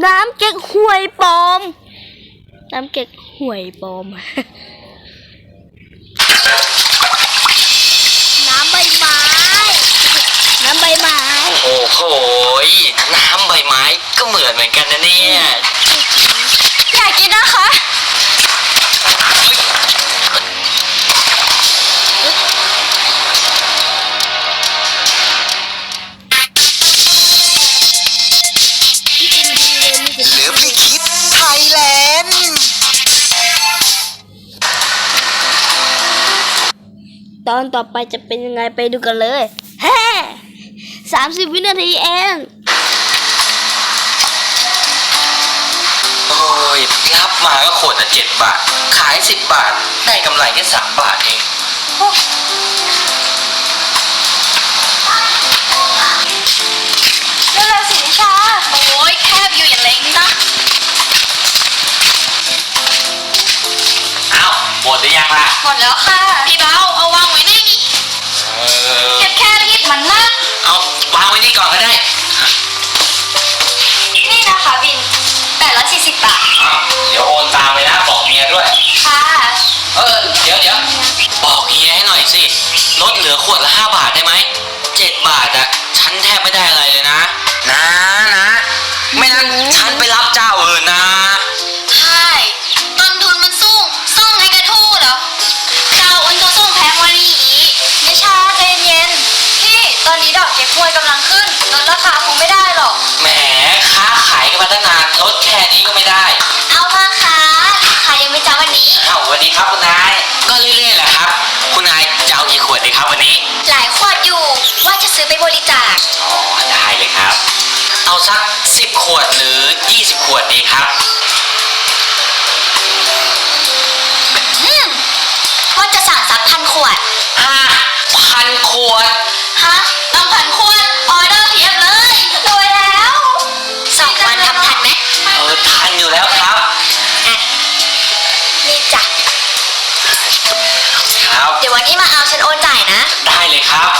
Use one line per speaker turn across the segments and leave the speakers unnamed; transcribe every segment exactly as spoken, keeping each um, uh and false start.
น้ำเก๊กฮวยปลอมน้ำเก๊กฮวยปลอมน้ำใบไม้น้ำใบไม้
โอ้โหน้ำใบไม้ก็เหมือนเหมือนกันนะเนี่ย
อยากกินนะคะ
เหลือพี่คิดไทยแลนด์
ตอนต่อไปจะเป็นยังไงไปดูกันเลยแฮ่สามสิบวินาทีเอง
โอ้ยรับมาก็ขวดละเจ็ดบาทขายสิบบาทได้กำไรแค่สามบาทเอง
เร็วๆสินิชาโอ้ยแคบอยู่อย่าเล็งนะ
เอาหมดหรือยังล่ะ
หมดแล้วค่ะพี่เบาเอาวางไว้ในนี้แคบแค่ที่มันนะ
เอาวางไว้นี่ก่อนก็ได้
นี่นะคะบินแปดร้อยสี่สิบบาท
เดี๋ยวโอนตามไปนะบอกเมียด้วย
ค่ะ
เออเดี๋ยวเดี๋ยวบอกเฮียให้หน่อยสิลดเหลือขวดละห้าบาทได้ไหมเจ็ดบาทอะฉันแทบไม่ได้อะไรเลยนะนะนะไม่นั้นฉันไปรับเจ้าอื่นนะ
ใช่ต้นทุนมันสูงส่งให้กระทู้เหรอเจ้าอื่นตัวส่งแพงกว่านี้อีกนิชาใจเย็นพี่ตอนนี้ดอกเก็บหวยกำลังขึ้นลดราคาคงไม่ได้หรอก
แหมค้าขายกันมาตั้งนานลดแค่นี้ก็ไม่ได้
เอามาค่ะขายยังไม่จ้าวันนี้
อ้าวสวัสดีครับคุณนายก็เรื่อยๆแหละครับคุณนายจะเอากี่ขวดดีครับวันนี้
หลายขวดอยู่ว่าจะซื้อไปบริจาค
อ๋อได้เลยครับเอาสักสิบขวดหรือยี่สิบขวดดีครับ
อืมว่าจะสั่งสักพันขวด
ฮะพันขวด
ฮะต้องพันขวดออเดอร์เพียบเลยรวยแล้วสองวันทำทันไหม
เออทันอยู่แล้วครับ
อ่ะนี่จ้ะ
ครับ
เดี๋ยววันที่มาเอาฉันโอนจ่ายนะ
ได้เลยครับ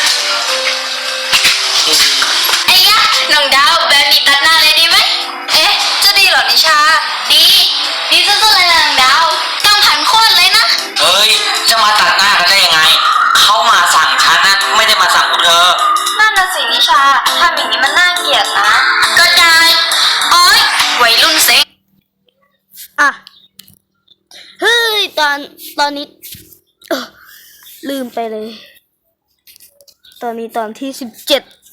ไอ้ยะน้องดาวแบบนี้ตัดหน้าเลยดีไหมเอ๊ะจะดีเหรอนิชาดีดีสุดๆเลยนะน้องดาวต้องพันขวดเลยนะ
เฮ้ยจะมาตัดหน้ากันได้ยังไงเขามาสั่งฉันนะไม่ได้มาสั่งพวกเธอ
นั่นน่ะสินิชาทำอย่างนี้มันน่าเกลียดนะก็ได้โอ๊ยวัยรุ่นเซ็งอ่ะเฮ้ยตอนตอนนี้เออลืมไปเลยตอนนี้ตอนที่สิบเจ็ด